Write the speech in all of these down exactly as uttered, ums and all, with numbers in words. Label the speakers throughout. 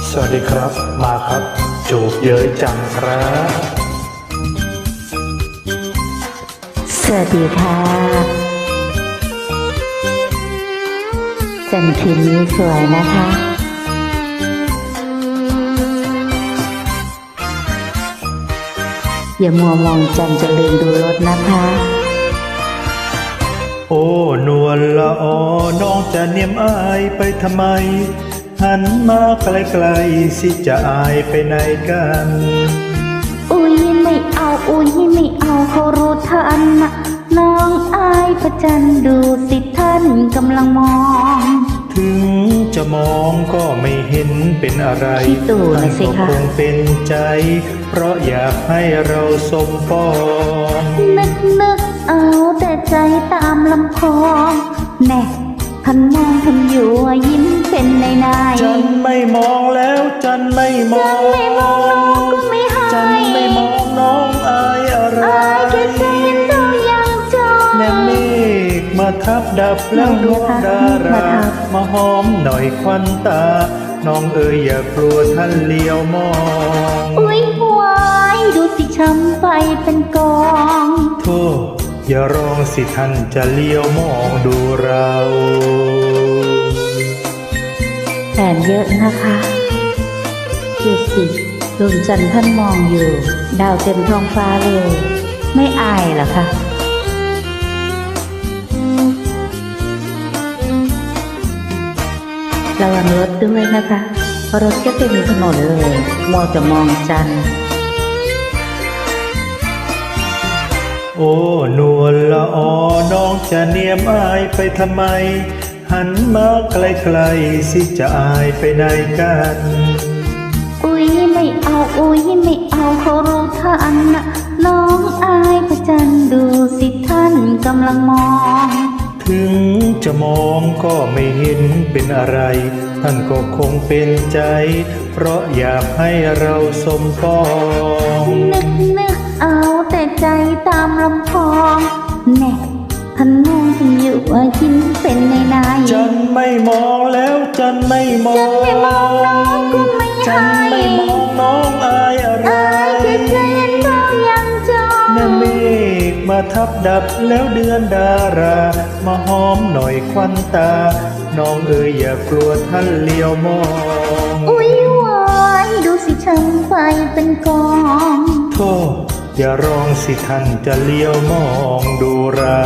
Speaker 1: สวัสดีครับมาครับจูบเย้ยจังครับ
Speaker 2: สวัสดีค่ะจันทร์คืนนี้สวยนะคะอย่ามัวมองจันทร์จะลืมดูรถนะคะ
Speaker 1: โอ้นวลละออน้องจะเนียมอายไปทำไมหันมาไกลๆสิจะอายไปไหนกัน
Speaker 2: อุ้ยไม่เอาอุ้ยไม่เอาเขารู้ทันนะน้องอายพระจันทร์ดูสิท่านกำลังมอง
Speaker 1: ถึงจะมองก็ไม่เห็นเป็นอะไร
Speaker 2: ท่านก็
Speaker 1: คงเป็นใจเพราะอยากให้เราสมปอง
Speaker 2: นึกนึกเอาแต่ใจตามลำคองแน่ท่านมองท่านอยู่ยิ้มเป็นในใน
Speaker 1: จันไม่มองแล้วจันไม่มอง
Speaker 2: จันไม่มองน้องก็ไม่ให้
Speaker 1: จันไม่มองน้องอายอะไร
Speaker 2: อายแค่ใจเจ้ายังจอง
Speaker 1: แนมเมฆมาทับดับแล้วดวงดารามาหอมหน่อยควันตาน้องเอ๋ยอย่ากลัวท่านเลี้ยวมอง
Speaker 2: อุ้ยวายดูสิช้ำไปเป็นกอง
Speaker 1: โธ่อย่าร้องสิท่านจะเลี้ยวมองดูเรา
Speaker 2: แผนเยอะนะคะดูสิดวงจันทร์ท่านมองอยู่ดาวเต็มท้องฟ้าเลยไม่อายเหรอคะระวังรถด้วยนะคะเพราะรถก็เต็มถนนเลยมัวจะมองจันทร์
Speaker 1: โอ้นวลละออน้องจะเนียมอายไปทำไมหันมาไกลๆสิจะอายไปไหนกัน
Speaker 2: อุ้ยไม่เอาอุ้ยไม่เอาเขารู้ทันนะน้องอายพระจันทร์ดูสิท่านกำลังมอง
Speaker 1: ถึงจะมองก็ไม่เห็นเป็นอะไรท่านก็คงเป็นใจเพราะอยากให้เราสมปอง
Speaker 2: นึกนึกเอาแต่ใจตามลำพองแน่ท่านมองท่านอยู่ยิ้มเป็นในใน
Speaker 1: จันไม่มองแล้วจันไม่มอง
Speaker 2: จันไม่มองน้องก็ไม่ให้
Speaker 1: จันไม่มองน้องอายอะไร
Speaker 2: อายแค่ใจเจ้ายังจอง
Speaker 1: แนมเมฆมาทับดับแล้วเดือนดารามาหอมหน่อยควันตาน้องเอ๋ยอย่ากลัวท่านเลี้ยวมอง
Speaker 2: อุ้ยวายดูสิช้ำไปเป็นกอง
Speaker 1: โธ่อย่าร้องสิท่านจะเลี้ยวมองดูเรา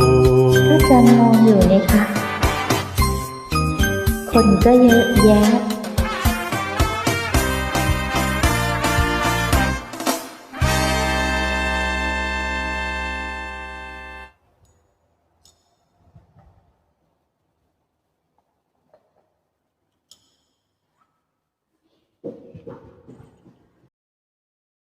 Speaker 2: พระจันทร์มองอยู่เลยค่ะคนก็เยอะแยะ